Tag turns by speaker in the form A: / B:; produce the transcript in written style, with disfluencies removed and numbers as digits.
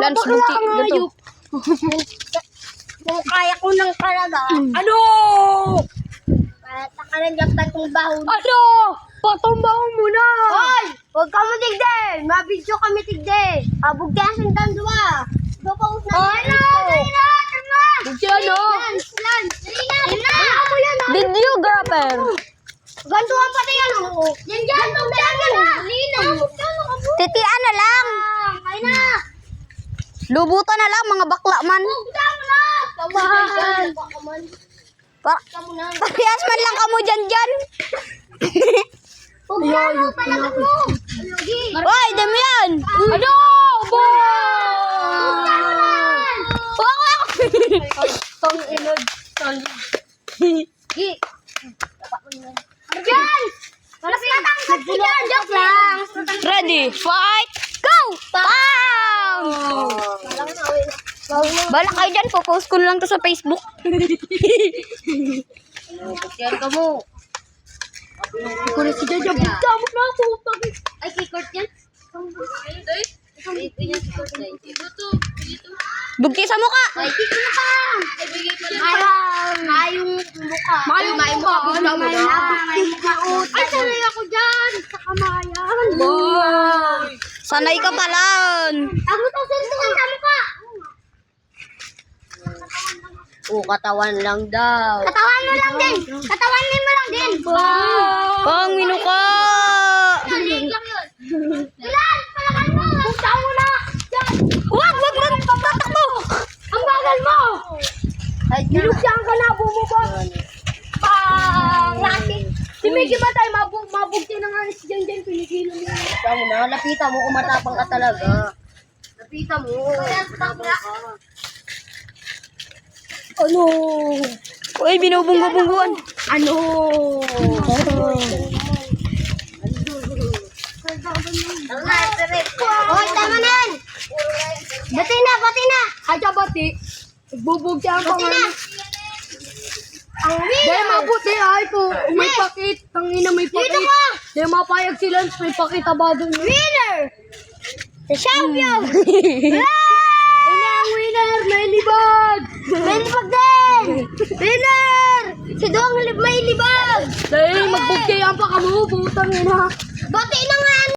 A: Lance Buti. Gato.
B: Kung kaya ko ng talaga.
C: Ano?
B: Kaya takalanggap ka itong baho.
C: Ano? Patumbaon mo na.
B: Hoy! Huwag ka mo tigde! Mabidyo kami tigde! Abugyasan kang dua! Doon na
C: Bugyan no?
A: Videographer.
B: Gantuan pati yan, oo. Yan dyan,
A: Titian na lang.
B: Kaya na!
A: Lubutan na lang mga bakla man.
B: Huwag mo na! Kaman! Kamu na!
A: Parehas man lang kamo dyan.
B: Huwag mo! Palagan mo!
A: Hoy, dami yan.
C: Ano? Bo!
B: Tong inod. Gi! Diyan! Mas matangkad ka dyan! Joke lang!
A: Ready, fight, go! Bang! Bala kayo dyan, popost ko na lang to sa Facebook.
B: Yan ka mo.
C: Ikaw na si Jaja. Bugyan mo na ako.
B: Ay, kikort yan?
A: Bugti sa mukha.
B: Ay, kikort na ka! Mayong mukha.
C: Mayong mukha.
B: Mayong mukha. Ay, sanay ako dyan! Sa kamayan.
C: Boy!
A: Sanay ka palan.
B: Ako to, suntukan sa mukha.
C: Katawan lang daw.
B: Katawan mo lang din. Katawan mo lang din.
A: Pang minuka.
B: Ilan lang yun. Ilan? Palakan mo. Punta mo na. Yan.
A: Wag tatakbo.
B: Ang bagal mo. Nilugyan ka na. Bumubot. Rati. Si Mickey ba tayo mabugti ng anis dyan pinigilo mo.
C: Ikaw na. Lapitan mo kung matapang ka talaga.
B: Lapitan mo.
C: Ano?
A: Uy, binubunggo-bungguan.
C: Ano?
B: Hoy, tama na yan. Bati na.
C: Adya bati. Bubugyan pa
B: Bati
C: nga.
B: na. Ang
C: Dahil mabuti ay po. May pakit. Tangina may pakit.
B: Dito ka.
C: Dahil mapayag si Lance. May pakita ba doon?
B: Winner. The champion.
C: Ang winner! May libag!
B: May libag din. Winner. Si Dong may libag.
C: Dahil magbugyan pa kamo. Putang ina.
B: Bati na nga.